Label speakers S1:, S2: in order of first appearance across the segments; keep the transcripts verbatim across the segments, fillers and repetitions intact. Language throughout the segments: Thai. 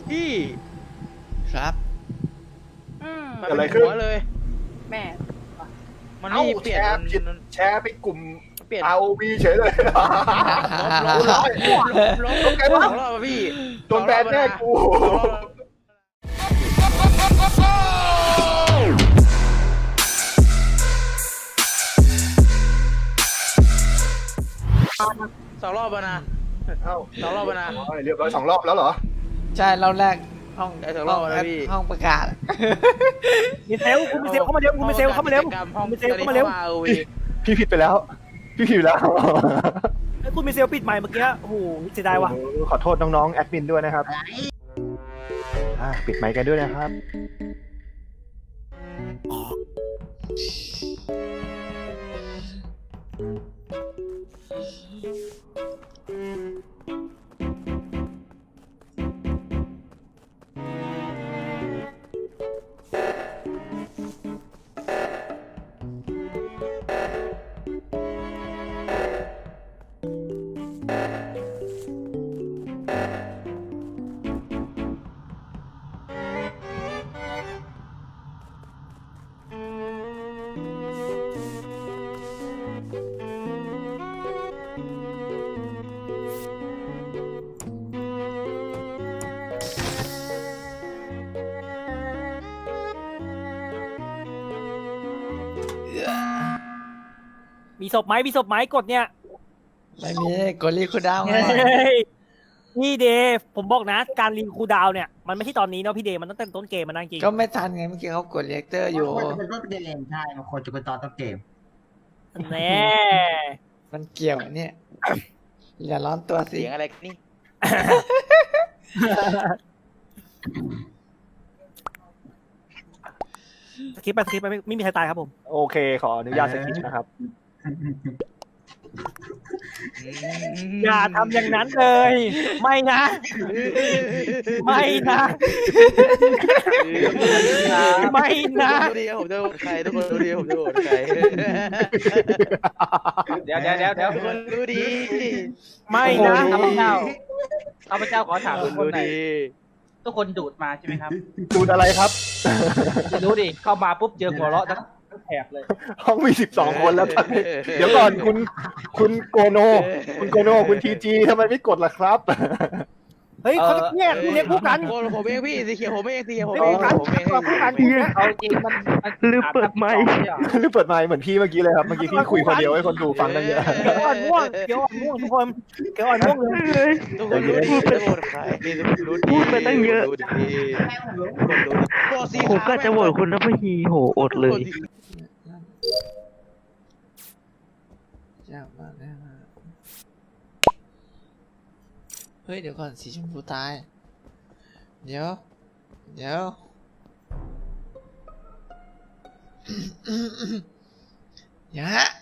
S1: พี่
S2: ครับ
S1: เกิดอะไรขึ้นเลย
S3: แม่
S1: มัน
S4: เอ้า
S1: นี่เป
S4: แช
S1: ลี่ยน
S4: ร์ผิดแชร์ไปกลุ่ม
S1: เปลี่ยน
S4: อา โอ วี เฉยเลย
S1: ลบลบลบลบลบสองรอบพี่
S4: โดนแบนแน่กู
S1: สองรอบนะ
S4: เอ้า
S1: สองรอบนะ
S4: เรียบร้อยสองรอบแล้วเหรอ
S2: ใช่เราแรกห้อง
S1: ได้สองรอบแล้วพี่
S2: ห้องประกาศ
S5: มีเซลคุณมีเซลเข้ามาเร็วคุณมีเซลเข้ามาเร็ว
S1: ห้อง
S5: คุณมีเซลเข้ามาเร็ว
S4: พี่ผิดไปแล้ว พี่ผิดแล้ว
S5: ไอ้คุณมีเซลปิดใหม่เมื่อกี้โอ้โหเสียดายว่ะ
S4: โอ้โหขอโทษน้องๆแอดมินด้วยนะครับอ่าปิดไมค์กันด้วยนะครับ
S5: มีศพไหมมีศพไหมกดเนี่ย
S2: ไม่มีกดรีคูลดาวน์
S5: เฮ้ยพี่เดย์ผมบอกนะ การรีคูลดาวน์เนี่ยมันไม่ใช่ตอนนี้เนาะพี่เดย์มันต้องตั้งแต่ต้นเกมมันนั่งจริง
S2: ก็ไม่ทันไงเมื่อกี้เขากดเรียกเตอร์อยู่
S6: มันเป็นต้นเกมใช่มันควรจะเป็นตอนต้นเกม
S5: แน่
S2: มันเกี่ยวเนี่ยอย่าร้อนตัวสิ
S1: เสียงอะไรนี่
S5: สคริปต์ไปสคริปต์ไปไม่ไม่มีใครตายครับผม
S4: โอเค ขออนุญาตสกิปนะครับ
S5: อย่าทำอย่างนั้นเลย ไม่นะ ไม่นะไม่นะ
S1: ดูดีผมจะโหวตใครทุกคนดูดีผมจะโหวตใคร
S3: เดี๋ยวเดี๋ยวเดี๋ยวเดี๋ยว
S1: ทุกคนดูดี
S5: ไม่นะ
S3: ข้าพเจ้าข้าพเจ้าขอถาม
S1: ทุ
S3: ทุ
S1: ก
S3: ก
S1: ค
S3: คน น
S1: ดู
S3: หน่อย
S1: ดี
S3: ทุกคนดูดมาใช่ไหมครับ
S4: ดูดอะไรครับ
S3: ไม่รู้ดิเข้ามาปุ๊บเจอหัวเราะทั้งทั้งแถบเลย
S4: ห้องมีสิบสองคนแล้วตอนนี้ เดี๋ยวก่อนคุณคุณโกโน คุณโกโน คุณทีจีทำไมไม่กดล่ะครับ
S5: เฮ้ยเขาจะเนี่ยคุณเรียกคู่กัน
S1: คนผมเองพี่สีเขียวผมเองสีเขียวผม
S5: เฮ้
S1: เอย งผมเอง
S5: คู่กัน
S3: เอาจริงมันมัน
S5: ลืมเปิดไมค์
S4: หรือเปิดไมค์เหมือนพี่เมื่อกี้เลยครับ เมื่อกี้พี่คุยคนเดียวให้คนดูฟังกันเยอะ
S5: เขียวอ่อนม่วงเขียวอ่อนม่วงทุกคนเขียวอ่อนม่วงเลย
S1: ทุกคนรู้ดีจะโหวตใครทุกคนรู้ดีพูดไปตั้งเยอะทุกคนรู้ดีผมก็จะโหวตคุณนะพี่โหอดเลย
S2: ยากมากนะฮะเฮ้ยเดี๋ยวก่อนสีชมพูตาย เดี๋ยว เดี๋ยว อย่าฮะ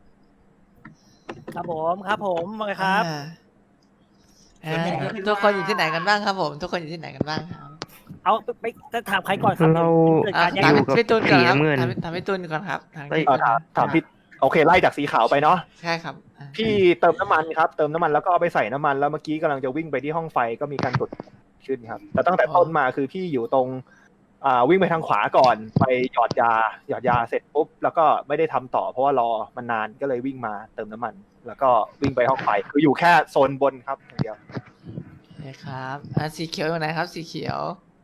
S5: ครับผมครับผมมาเลยครับ
S2: อ่าอ่าทุกคนอยู่ที่ไหนกันบ้างครับผม ทุกคนอยู่ที่ไหนกันบ้างครับ
S5: เอาไปจะถามใครก่อนครับ
S7: เรา
S5: เกิด
S2: อ่ะ
S5: การแย่ง
S2: ถาม
S5: กัน
S2: พี่ตูนก่อนครับ
S7: สีน้ำเงิน
S2: ถามถามพี่ตูนก่อนครับถามพี่
S4: เอ่อถามถามพี่โอเคไล่จากสีขาวไปเนาะ
S2: ใช่ครับอ่ะ
S4: พี่เติมน้ำมันครับ เติมน้ำมันแล้วก็เอาไปใส่น้ำมันแล้วเมื่อกี้กำลังจะวิ่งไปที่ห้องไฟก็มีการกดขึ้นครับ แต่ตั้งแต่ต้นมาคือพี่อยู่ตรงอ่าวิ่งไปทางขวาก่อนไปหยอดยาหยอดยาเสร็จปุ๊บแล้วก็ไม่ได้ทำต่อเพราะว่ารอมันนานก็เลยวิ่งมาเติมน้ำมัน แล้วก็วิ่งไปห้องไฟคืออยู่แค่โซนบนครับอย่างเดียว
S2: โอเคครับอ่ะสีเขียวอยู่ไหนครับ สีเขียว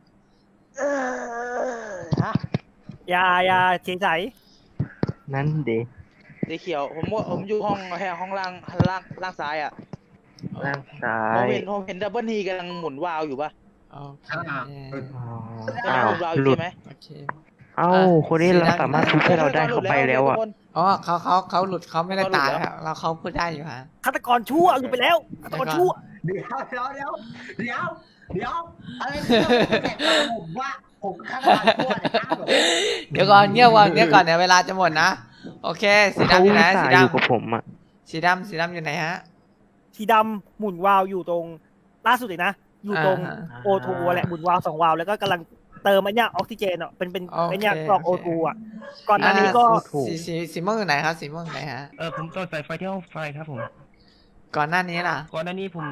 S5: ยายาเฉยใส
S7: นั่นเด
S1: สีเขียวผมว่าผมอยู่ห้องแค่ห้องล่างล่างล่างซ้ายอ่ะ
S7: ร่างซ้า
S1: ผม
S7: ย
S1: เห็นผมเห็นดับเบิลทีกำลังหมุนวาล์วอยู่ป่ะ
S2: โอเค
S7: อ๋อ
S1: กำลั
S7: อ้าง ว
S1: หมุนวาล์วอ
S7: หลุ
S1: ยู่
S7: ด
S1: ใช่ไหม
S2: โอเค
S7: เอ้า คนนี้เราสามารถทุบให้เราได้เขาไปแล้วอ่ะ
S2: อ๋อเขาเขาเขาหลุดเขาไม่ได้ตายครับเราเขาพูดได้อยู่ฮะ
S5: ฆาตกรชั่วหลุดไปแล้วฆาตกรชั่ว
S6: เดี๋ยวเดี๋ยวเดี๋ยวเดี๋ยวเดี๋ยวอะไรเนี่ยผมว่าผมข้างหลังทั่วเลยนะ
S2: เดี๋ยวก่อนเงียบก่อนเงียบก่อนเดี๋ยวเวลาจะหมดนะ โอเค สี
S7: เขา
S2: ดำอยู่ไหน
S7: อุตส่า
S2: สี
S7: ห์อยู่กับ
S2: ดำ
S7: ผมอ่ะ
S2: สีดำสีดำอยู่ไหนฮะ
S5: สีดำหมุนวาล์วอยู่ตรงล่าสุดเลยนะ อยู่ตรง
S2: อ่า
S5: โอทูแหละหมุนวาล์วสองวาล์วแล้วก็กำลังเติมไอ้เนี่ยออกซิเจนอ่ะเป็นเป็น
S2: โอเค
S5: ไอ้เนี่ยกรอก
S2: โอ
S5: โอ
S2: เค
S5: ทูอ่ะก่อนหน้านี้ก็
S7: อ่า ถูก
S2: สีสีสีม่วงอยู่ไหนครับ สีม่วงอยู่ไหนฮะ
S7: เออผมต่อสายไฟที่ห้องไฟครับผม
S2: ก่อนหน้านี้ล่ะ
S7: ก่อนหน้านี้ผม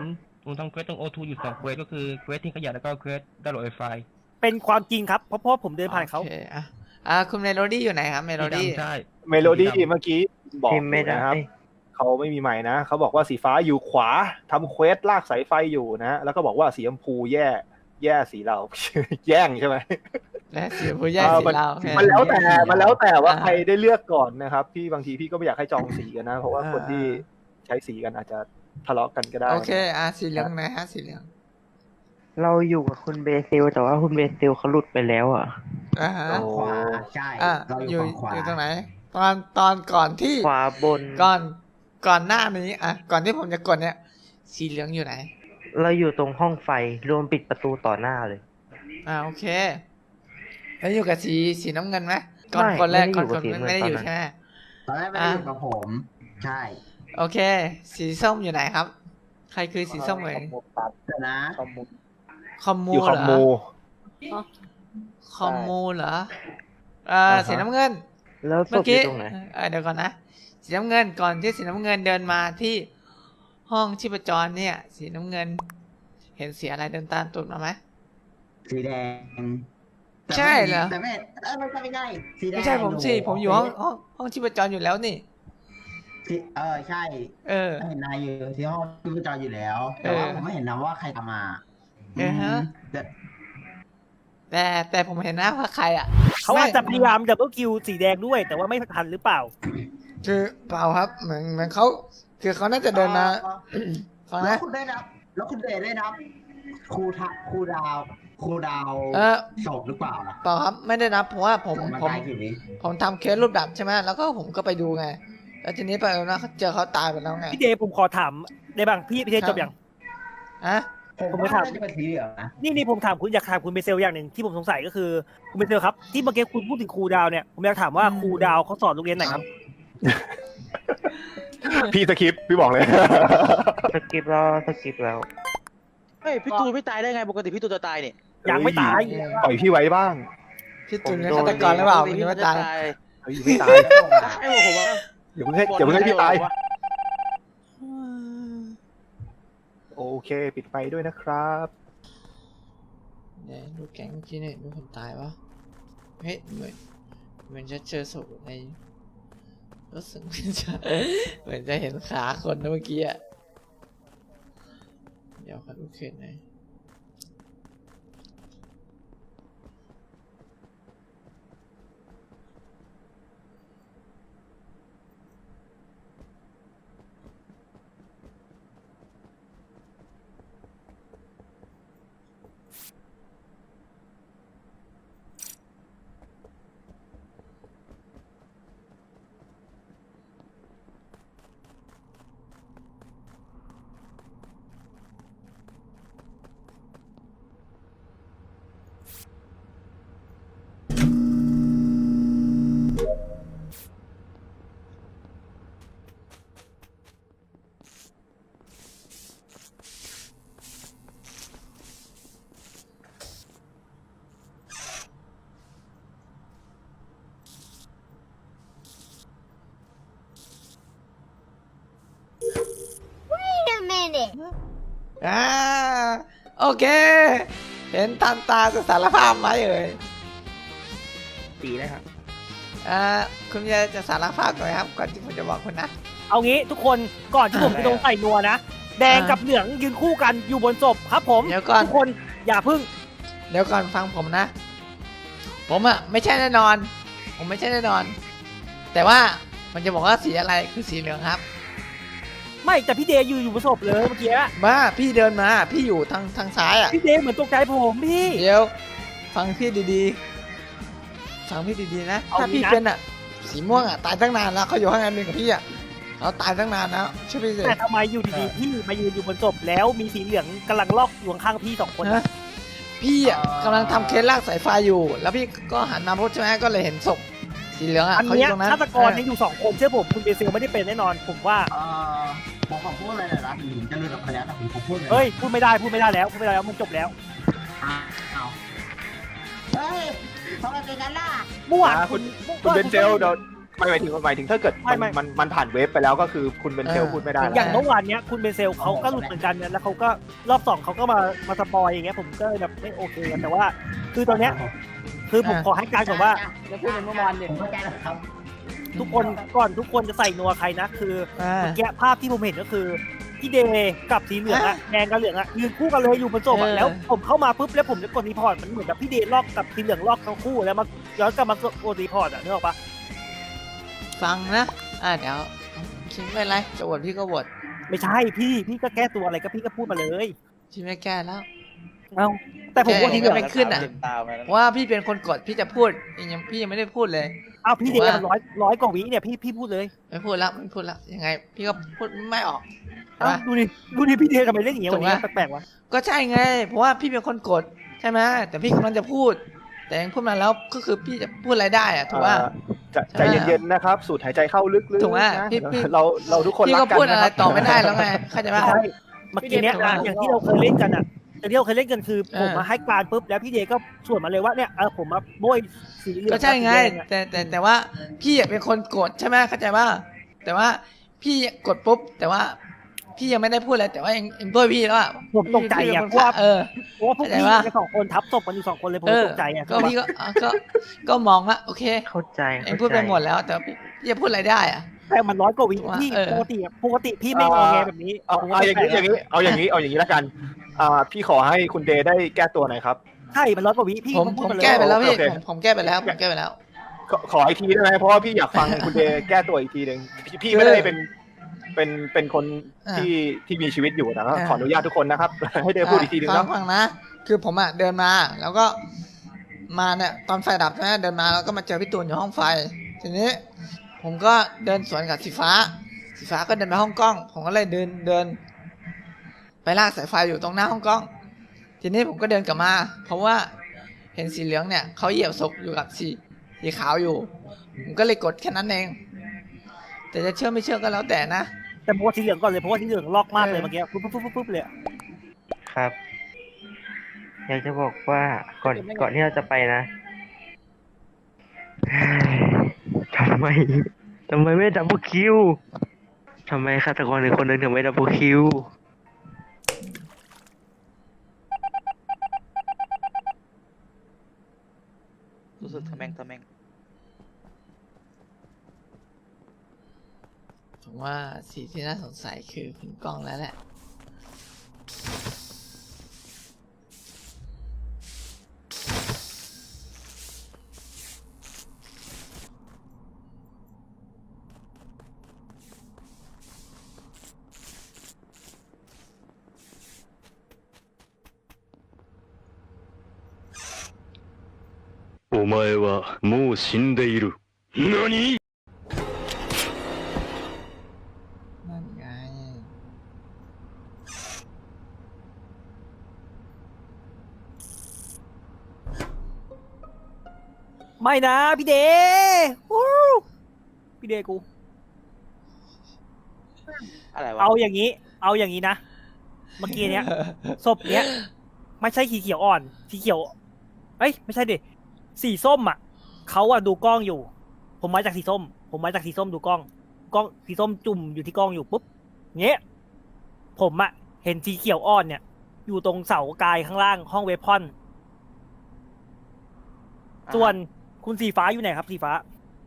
S8: ผมทำเควสตรงโอทูอยู่สองเควสก็คือเควสที่ขยะแล้วก็เควสดาวน์โหลดไฟล์
S5: เป็นความจริงครับเพราะเพราะผมเดินผ่านเขา
S2: โอเคอ่ะอ่ะคุณเมโลดี้อยู่ไหนครับเมโลดี้
S8: ใช่
S4: เมโลดี้เมื่อกี้บอก
S7: พิมพ์ไม่ได้
S4: นะครับเขาไม่มีไมค์นะเขาบอกว่าสีฟ้าอยู่ขวาทำเควสลากสายไฟอยู่นะ แล้วก็บอกว่าสีชมพูแย่แย่สีเรา แย่งใช่ไหม
S2: และสีผู้ใหญ่
S4: เออ
S2: สี
S4: มัน
S2: เรา
S4: มันแล้วแต่มันแล้วแต่ว่า
S2: อ่า
S4: ใครได้เลือกก่อนนะครับพี่บางทีพี่ก็ไม่อยากให้จองสีกันนะ เพราะว่า
S2: อ่า
S4: คนที่ใช้สีกันอาจจะทะเลาะกันก็ได้
S2: โอเคอ่ะสีเหลืองไหนฮะสีเหลือง
S7: เราอยู่กับคุณเบซิลแต่ว่าคุณเบซิลเขาหลุดไปแล้วอ่ะ
S2: อ่าฮะ
S4: โอ้
S6: ขวาใช่
S2: อ่ะ
S6: เราอ
S2: อยู่
S6: ยู่ฝั่งขวา
S2: อยู่ตรงไหน ตอนตอนก่อนที่
S7: ขวาบน
S2: ก่อนก่อนหน้านี้อ่ะก่อนที่ผมจะกดเนี่ย สีเหลืองอยู่ไหน
S7: เราอยู่ตรงห้องไฟรวมปิดประตูต่อหน้าเลย
S2: อ่าโอเค แล้วอยู่กับสีสีน้ำเงินไหมก่อน
S7: ไม่
S2: คนแรก
S7: ไม่
S2: ก่
S7: ได้
S2: อน
S7: อยู่
S2: คน
S7: กับสี
S2: ไม่ได้อยู่
S7: น้ำเงิน
S2: ใช่ไหม
S6: ตอนแรกไม่ได้อยู่กับผม ใช่
S2: โอเค สีส้มอยู่ไหนครับ ใครคือสีส้มเอ่ย
S6: เดี๋ยวนะ
S4: คอมมู
S2: คอมมู
S4: อยู่คอม
S2: เหร
S4: มู
S2: อคอมมูเหรออ่า
S4: อ่าฮะ
S2: สีน้ำเงิน
S7: แล้วศ
S2: เมื่อ
S7: พอยู่
S2: กี้
S7: ตรงไหน
S2: เออเดี๋ยวก่อนนะ สีน้ำเงินก่อนที่สีน้ำเงินเดินมาที่ห้องชีพจรเนี่ย สีน้ำเงิน เห็นสีอะไรเดินตามตูดมาไหม
S6: สีแดง
S2: ใช่เหรอ
S6: แต่ไม่เออไม่ใช่ไม่ใช่สีแดง
S2: ไม่ใช่ผมสิผมอยู่ห้องห้องห้องชีพจรอยู่แล้วนี่
S6: สีเออใช่
S2: เออ
S6: เห็นนายอยู่ที่ห้องที่จออยู่แล้ว แต่ว่า
S2: เออ
S6: ผมไม่เห็นนะว่าใครตามมา
S2: เออฮะ
S6: แต่
S2: แต่แต่ผมเห็นนะว่าใครอ่ะ
S5: เขาอาจจะพยายามดับเบิลคิวสีแดงด้วย แต่ว่าไม่ทันหรือเปล่า
S2: คือเปล่าครับเหมือนเหมือนเขาคือเขาน่าจะเดินมาฟัง
S6: แล้ว
S2: นะ
S6: คุณได้นับ แล้วคุณเดชได้นับครูทะครูดาวครูดาว
S2: เออ
S6: ศพหรือเปล่าล่ะ
S2: เปล่าครับไม่ได้นับเพราะว่าผม
S6: มัน
S2: ผม
S6: ตายกี่วิ
S2: ผมทำเคสรูปดับใช่ไหมแล้วก็ผมก็ไปดูไง แล้วทีนี้ไปแล้วนะเจอเขาตายไปแล้วไง
S5: พี่เดย์ผมขอถามได้บ้างพี่พี่เดย์จบยัง
S2: อะ
S6: ผม
S5: ผมไม่
S6: ว่า
S5: ถาม
S6: น่าจะเป็นสีเหลืองนะ
S5: นี่นี่ผมถามคุณอยากถามคุณเบเซลอย่างหนึ่งที่ผมสงสัยก็คือคุณเบเซลครับที่เมื่อกี้คุณพูดถึงครูดาวเนี่ยผมอยากถามว่าครูดาวเขาสอนโรงเรียนไหนครับ
S4: พี่สคริปต์พี่บอกเลย
S7: สกิปแล้วสกิปแล้ว
S1: เฮ้ยพี่ตูนไม่ตายได้ไงปกติพี่ตูนจะตายเนี่ย
S5: ยังไม่ตาย
S4: ปล่อยพี่ไว้บ้าง
S2: พี่ตุนเป็นฆาตกรหรือเปล่าคุณจะมาตาย
S4: เฮ้ยไม่ตาย
S1: ใช่ผมว่า
S4: อย่าเพิ่งให้อย่าเพิ่งให้พี่ตาย โอเค ปิดไฟด้วยนะครับ
S2: เนี่ยดูแก๊งเมื่อกี้เนี่ยมีคนตายวะเฮ้ยเหมือนเหมือนจะเจอศพในรู้สึกเหมือนจะเหมือนจะเห็นขาคนนะเมื่อกี้อะเดี๋ยวขอดูเคสหน่อยอ่าโอเค เห็นทันตาจะสารภาพไหมเอ่ย
S5: ตีเลยครับ
S2: อ่าคุณจะจะสารภาพหน่อยครับก่อนที่ผมจะบอกคุณนะ
S5: เอางี้ทุกคนก่อนที่ผมจะโดนใส่นัวนะแดงกับเหลืองยืนคู่กันอยู่บนศพครับผม
S2: เดี๋ยวก่อน
S5: ทุกคนอย่าพึ่ง
S2: เดี๋ยวก่อนฟังผมนะ ผมอะไม่ใช่แน่นอน ผมไม่ใช่แน่นอน แต่ว่ามันจะบอกว่าสีอะไรคือสีเหลืองครับ
S5: ไม่แต่พี่เดย์ยืนอยู่บนศพเลยเมื่อกี้
S2: มาพี่เดินมาพี่อยู่ทางทางซ้ายอะ
S5: พี่เดย์เหมือนตกใจผมพี่
S2: เดี๋ยวฟังพี่ดีๆ ฟังพี่ดีๆนะ
S5: เอา
S2: ถ้าพี่
S5: งี้นะ
S2: เป็นอะสีม่วงอะตายตั้งนานแล้วเขาอยู่ห้องแอดมินกับพี่อะเขาตายตั้งนานแล้วใช่ไหมสิ
S5: แต่ทำไมอยู่ดีๆพี่มายืนอยู่บนศพแล้วมีสีเหลืองกำลังลอกอยู่ข้างๆพี่สองคน
S2: ฮะพี่อะกำลังทำเคสลากสายไฟอยู่ แล้วพี่ก็หันมาพูดใช่ไหมก็เลยเห็นศพสีเหลืองอะ
S5: อัน
S2: เขาอ
S5: เนี้ย
S2: ยู่ตรงนั้น
S5: ฆาตกรเนี่ยอยู่สองคนเชื่อผมคุณเบเซลไม่ได้เป็นแน่นอนผมว่า
S6: เออผมขอพูดอะไรหน่อยนะถึงผมจะรู้กับพยานแต่ผมขอพูดเลย
S5: เฮ้ยพูดไม่ได้พูดไม่ได้แล้วพูดไม่ได้แล้วมันจบแล้ว
S6: อ้าวเฮ้ยทำไมเป็นงั้นล่ะ
S5: เมื่อวาน
S4: อ่าคุ
S5: คุณ
S4: ณ คุณเบนเซลเดี๋ยวไม่หมายถึงหมายถึงถ้าเกิด
S5: ไม่
S4: มัน
S5: ไม่
S4: มันมันผ่านเว็บไปแล้วก็คือคุณเป็นเซลล์
S2: เออ
S4: พูดไม่ได้
S5: อ
S4: แล้ว
S5: ย่างเมื่อวานเนี้ยคุณเบเซลเขาก็หลุดเหมือนกันเนี่ยแล้วเขาก็รอบสองเขาก็มามาสปอยอย่างเงี้ยผมก็แบบไม่โอเคกันแต่ว่า คือตอนเนี้ยคือผมขอให้การก่อนว่า
S6: จะพูดในเมื่อวานเนี่ยผมเข้าใจแล้วครับ
S5: ทุกคนก่อนทุกคนจะใส่นัวใครนะคือ
S2: อ่า
S5: เมื่อกี้ภาพที่ผมเห็นก็คือพี่เดย์กับสีเหลืองอะแดงกับเหลืองอะยืนคู่กันเลยอยู่บนโซฟอะ
S2: เออ
S5: แล้วผมเข้ามาปุ๊บแล้วผมจะกดรีพอร์ตมันเหมือนกับพี่เดย์ลอกกับสีเหลืองลอกทั้งคู่แล้วมาย้อนกลับมากดรีพอร์ตอะนึกออกปะ
S2: ฟังนะอ่าเดี๋ยวคิดไม่เป็นไรจะโหวตพี่ก็โหวต
S5: ไม่ใช่พี่พี่ก็แก้ตัวอะไรก็พี่ก็พูดมาเลย
S2: พี่ไม่แก้แล้ว
S5: เอ้าแต่ผมว่า
S2: แก้
S5: ทีเหลือง
S2: ไม่ขึ้นอะ
S1: ตามมาแล้ว
S2: เพราะว่าพี่เป็นคนกดพี่จะพูดยังพี่ยังไม่ได้พูดเลย
S5: เอ้าพี่เดย์
S2: ว่า
S5: มันร้อยร้อยกว่าวิเนี่ยพี่พี่พูดเลย
S2: ไม่พูดแล้วไม่พูดแล้วยังไง พี่ก็พูดไม่ออก
S5: เอ้า
S2: ว่า
S5: ดูดิดูดิพี่เดย์ทำไมเล่นอย่างเงี้ย
S2: ถู
S5: วัน
S2: ก
S5: นี้
S2: ปะ
S5: แปลกๆวะ
S2: ก็ใช่ไง เพราะว่าพี่เป็นคนกดใช่ไหมแต่พี่กำลังจะพูด แต่ยังพูดมาแล้วก็คือพี่จะพูดอะไรได้อะถูกว่า
S4: เอ่อจะใจเย็นๆนะครับสูดหายใจเข้าลึกๆ
S2: ถูกไหม
S4: นะ
S2: พี่พี่
S4: เราเราทุกคน
S2: พี่
S4: รั
S2: ก็
S4: กกัน
S2: พูด
S4: นะ
S2: อะ
S4: ค
S2: ไร
S4: รับ
S2: ต่อไม่ได้แล้วไงเข้าใจ
S5: ไม่
S2: ปะ
S5: ใช่เมื่อกี้เนี้ย
S2: พี่เดย์
S5: อ่ะอย่างที่เราเคยเล่นกันอะอย่างที่เราเคยเล่นกันคือ
S2: เออ
S5: ผมมาให้การปุ๊บแล้วพี่เดย์ก็สวนมาเลยว่าเนี่ยเออผมมาโบยสีเหลือง
S2: ก็ใช่ไง
S5: กับสีแดอะ
S2: แต่แต่แต่ว่าพี่อะเป็นคนกดใช่ไหมเข้าใจว่าแต่ว่าพี่กดปุ๊บ แต่ว่าพี่ยังไม่ได้พูดเลยแต่ว่ายังยังด้วยพี่แล้วอะ
S5: ผมตกใจ
S2: พี่
S5: อะ
S2: เป็น
S5: เพราะว่า
S2: เออ
S5: เพราะว่าพวก
S2: เข้าใจ
S5: พี่
S2: ปะ
S5: กันสองคนทับศพกันอยู่สองคนเลยผม
S2: เออ
S5: ตกใจอะ
S2: ก็พี่ก็อ่ะก็ก็มองว่าโอเค
S7: เข้าใจ
S2: เอง
S7: เข้า
S2: พูด
S7: ใจ
S2: ไปหมดแล้ว แต่พี่พี่จะพูดอะไรได้อะ
S5: แต่มันร้อยกว่าวิ
S2: ว่า
S5: พี่
S2: เออ
S5: ปกติอะปกติพี่ไม่งอแงแบบนี้
S4: เอา
S5: ผมก็
S4: เอาอย่างนี้
S5: แปลกๆ
S4: อย่างนี้เอาอย่างนี้เอาอย่างนี้แล้วกันอ่าพี่ขอให้คุณเดย์ได้แก้ตัวหน่อยครับ
S5: ใช่มันร้อยกว่าวิพี่
S2: ผม
S5: พู
S2: ผ
S5: ด
S2: ม
S5: มาเลย
S2: แก้ไปแล้วพี่
S4: โอเค
S2: ผมผมแก้ไปแล้วผมแก้ไปแล้ว
S4: ขอขออีกทีได้ไหมเพราะว่าพี่อยากฟังคุณเดย์แก้ตัวอีกทีหนึ่งพี่พี่ไม่ได้เป็นเป็นเป็นคน
S2: อ่า
S4: ที่ที่มีชีวิตอยู่นะ
S2: อ่า
S4: ขออนุญาตทุกคนนะครับ ให้เดย์พูดอีกทีหนึ่ง
S2: ฟั
S4: นะ
S2: งฟังนะ คือผมอ่ะเดินมาแล้วก็มาเนี่ยตอนไฟดับใช่ไหมเดินมาแล้วก็มาเจอพี่ตูนอยู่ห้องไฟ ทีนี้ ผมก็เดินสวนกับสีฟ้า สีฟ้าก็เดินไปห้องกล้อง ผมก็เลยเดินเดิน ไปลากสายไฟอยู่ตรงหน้าห้องกล้อง ทีนี้ผมก็เดินกลับมา เพราะว่าเห็นสีเหลืองเนี่ยเขาเหยียบศพอยู่กับสีสีขาวอยู่ ผมก็เลยกดแค่นั้นเอง แต่จะเชื่อไม่เชื่อก็แล้วแต่นะ
S5: แต่ผมว่าสีเหลืองก่อนเลยเพราะว่าสีเหลืองลอกมากเลย
S2: เออ
S5: เมื่อกี้ปุ๊บปุ๊บปุ๊บปุ๊บเลยอะ
S7: ครับ อยากจะบอกว่าก่อนก่อนที่เราจะไปนะ ทำไมทำไมไม่ดับเบิลคิวทำไมฆาตกรหนึ่งคนหนึ่งถึงไม่ดับเบิลคิว
S1: รู้สึกทะแมงทะแมง
S2: ผมว่าสีที่น่าสงสัยคือคุณกล้องแล้วแหละ
S9: お前はもう死んでいる。何
S2: นั่นไง
S5: ไม่นะพี่เดย์วู้พี่เดย์กู
S1: อะไรวะ
S5: เอาอย่างนี้ เอาอย่างนี้นะ เมื่อกี้เนี้ย ศพเนี้ย ไม่ใช่สีเขียวอ่อน สีเขียว เอ้ย ไม่ใช่ดิ สีส้มอ่ะ เขาอ่ะดูกล้องอยู่ ผมมาจากสีส้ม ผมมาจากสีส้มดูกล้อง กล้องสีส้มจุ่มอยู่ที่กล้องอยู่ปุ๊บ เงี้ย ผมอ่ะ เห็นสีเขียวอ่อนเนี่ย อยู่ตรงเสากายข้างล่างห้องเวพอน ส่วนคุณสีฟ้าอยู่ไหนครับสีฟ้า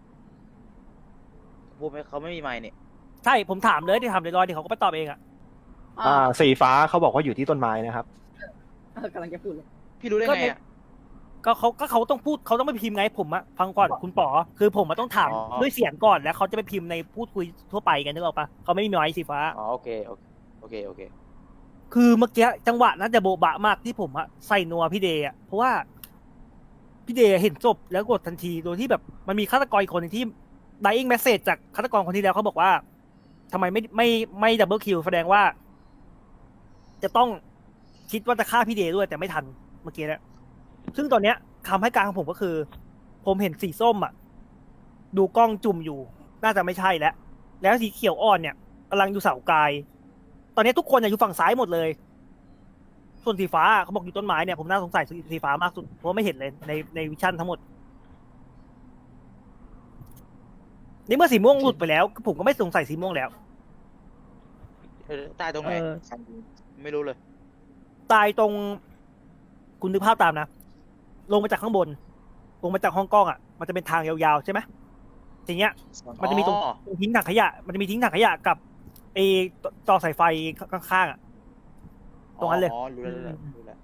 S1: พูดไม่เขาไม่มีไมค์นี่
S5: ใช่ ผมถามเลยที่ถามลอยๆเดี๋ยวเขาก็ไปตอบเองอ่ะ
S4: อ่าสีฟ้าเขาบอกว่าอยู่ที่ต้นไม้นะครับ
S6: กำลังจะพูดเลย
S1: พี่รู้ได้ไงอ่ะ
S5: ก็เขาก็เขาต้องพูดเขาต้องไปพิมพ์ไงผมอะฟังก่อนคุณป๋อคือผมอะต้องถาม
S1: อ๋อ
S5: ด้วยเสียงก่อนแล้วเขาจะไปพิมพ์ในพูดคุยทั่วไปกันนึกออกปะเขาไม่มีไม้สีฟ้า
S1: อ๋อโอเคโอเคโอเคโอเค
S5: คือเมื่อกี้จังหวะนั้นจะโบะบะมากที่ผมอะใส่นัวพี่เดย์อะเพราะว่าพี่เดย์เห็นจบแล้วกดทันทีโดยที่แบบมันมีฆาตกรอีกคนหนึงที่ dying message จากฆาตกรคนที่แล้วเขาบอกว่าทำไมไม่ไม่ไม่ดับเบิลคิวแสดงว่า จะต้องคิดว่าจะฆ่าพี่เดย์ด้วยแต่ไม่ทันเมื่อกี้นะซึ่งตอนเนี้ยคำให้การของผมก็คือ ผมเห็นสีส้มอ่ะ ดูกล้องจุ่มอยู่ น่าจะไม่ใช่แล้ว แล้วสีเขียวอ่อนเนี่ยกำลังอยู่เสากาย ตอนนี้ทุกคนอยู่ฝั่งซ้ายหมดเลย ส่วนสีฟ้าเขาบอกอยู่ต้นไม้เนี่ยผมน่าสงสัยสีฟ้ามากสุดเพราะว่าไม่เห็นเลยในในวิชั่นทั้งหมด คในเมื่อสีม่วงหลุดไปแล้ว ผมก็ไม่สงสัยสีม่วงแล้ว
S1: เออตายตรงไหน
S5: เออ
S1: ไม่รู้เลย
S5: ตายตรงคุณนึกภาพตามนะ ลงมาจากข้างบน ลงมาจากห้องกล้องอ่ะ มันจะเป็นทางยาวๆใช่ไหมทีเนี้ย มันจะมีตรง
S1: อ๋อ
S5: ตรงทิ้งถังขยะ มันจะมีทิ้งถังขยะกับไอ้ต่อสายไฟข้างๆอ่ะ ตรงนั้นเลย
S1: อ๋อรู้แล้วรู้แล้วรู้แล้ว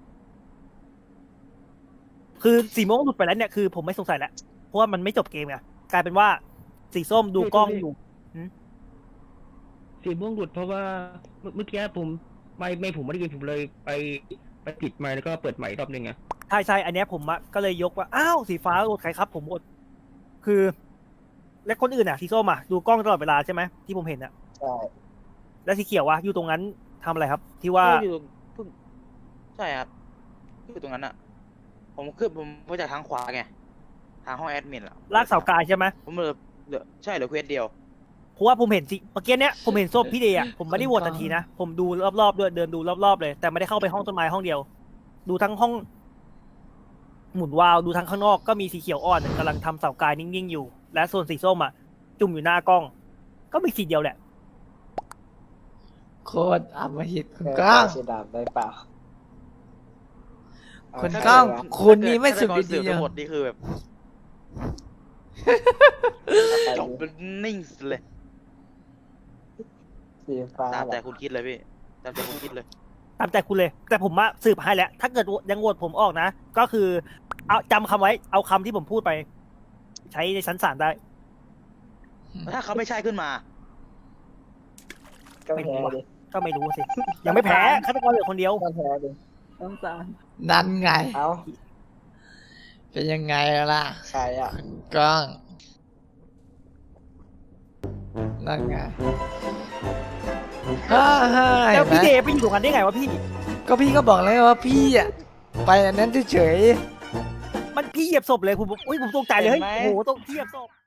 S5: คือสีม่วงหลุดไปแล้วเนี่ยคือผมไม่สงสัยแล้ว เพราะว่ามันไม่จบเกมไงกลายเป็นว่าสีส้มดูกล้องอยู่
S8: สีม่วงหลุดเพราะว่าเมื่อเมื่อกี้ผมไม่ไม่ผมไม่ได้ยินผมเลยไปไปปิดไมค์แล้วก็เปิดใหม่อีกรอบนึงไง
S5: ใช่ใช่อันเนี้ยผมอะก็เลยยกว่า อ้าวสีฟ้าโหวตใครครับ ผมโหวตคือ และคนอื่นอะสีส้มอะดูกล้องตลอดเวลาใช่ไหมที่ผมเห็นอะ
S6: ใช่
S5: แล้วสีเขียววะอยู่ตรงนั้นทำอะไรครับ ที่ว่า
S1: อยู่ตรงเพิ่งใช่ครับอยู่ตรงนั้นอะผมขึ้นผมมาจากทางขวาไงทางห้องแอดมินอะ
S5: ลากเสากายใช่ไหม
S1: ผมเหลือเหลือใช่เหลือเควสเดียว
S5: เพราะว่าผมเห็นสิเมื่อกี้เนี้ยผมเห็นส้มพี่เดย์อะผมไม่ได้โหวตทันทีนะผมดูรอบๆด้วยเดินดูรอบๆเลย แต่ไม่ได้เข้าไปห้องต้นไม้ห้องเดียว ดูทั้งห้อง หมุนวาล์วดูทั้งข้างนอกก็มีสีเขียวอ่อนกำลังทำเสากายนิ่งๆอยู่ และส่วนสีส้มอะจุ่มอยู่หน้ากล้อง ก็มีสีเดียวแหละ
S2: โคตรอำมหิตคุณก้อง
S6: สีดำได้เปล่า
S2: คุณก้องคุณนี่ไม่สุด
S1: ถ้าเกิด
S2: ดี
S1: เสือก
S2: ๆ
S1: ทั้งหมดนี่คือแบบจบเป็นนิ่งเลย
S6: สีฟ้า
S1: ตามแต่คุณคิดเลยพี่ตามแต่คุณคิดเลย
S5: ตามใจคุณเลย แต่ผมมาสืบให้แล้ว ถ้าเกิดยังโหวตผมออกนะ ก็คือ เอาจำคำไว้ เอาคำที่ผมพูดไป ใช้ในชั้นศาลได้
S1: ถ้าเขาไม่ใช่ขึ้นมา
S6: ก็แพ้ดิ
S5: ก็ไม่รู้สิ ยังไม่แพ้ฆาตกรเหลือคนเดียว
S6: ก็แพ้ดิ
S2: นั่นไง
S6: เอ้า
S2: เป็นยังไงล่ะ
S6: ใครอ่ะ
S2: คุณก้อง นั่นไงฮ่าฮ่า
S5: แล้
S2: เห็
S5: วน
S2: ไหม
S5: พี่เดย์ไปอยู่ตรงนั้นได้ไงวะพี่
S2: ก็พี่ก็บอกแล้วไงว่าพี่อ่ะ ไปอันนั้นเฉย
S5: มันพี่เหยียบศพเลยผมบอกอุ้ยผมตกใจเลยเฮ้ย
S1: เห็นไหม
S5: โอ้โหตกพี่เหยียบศพ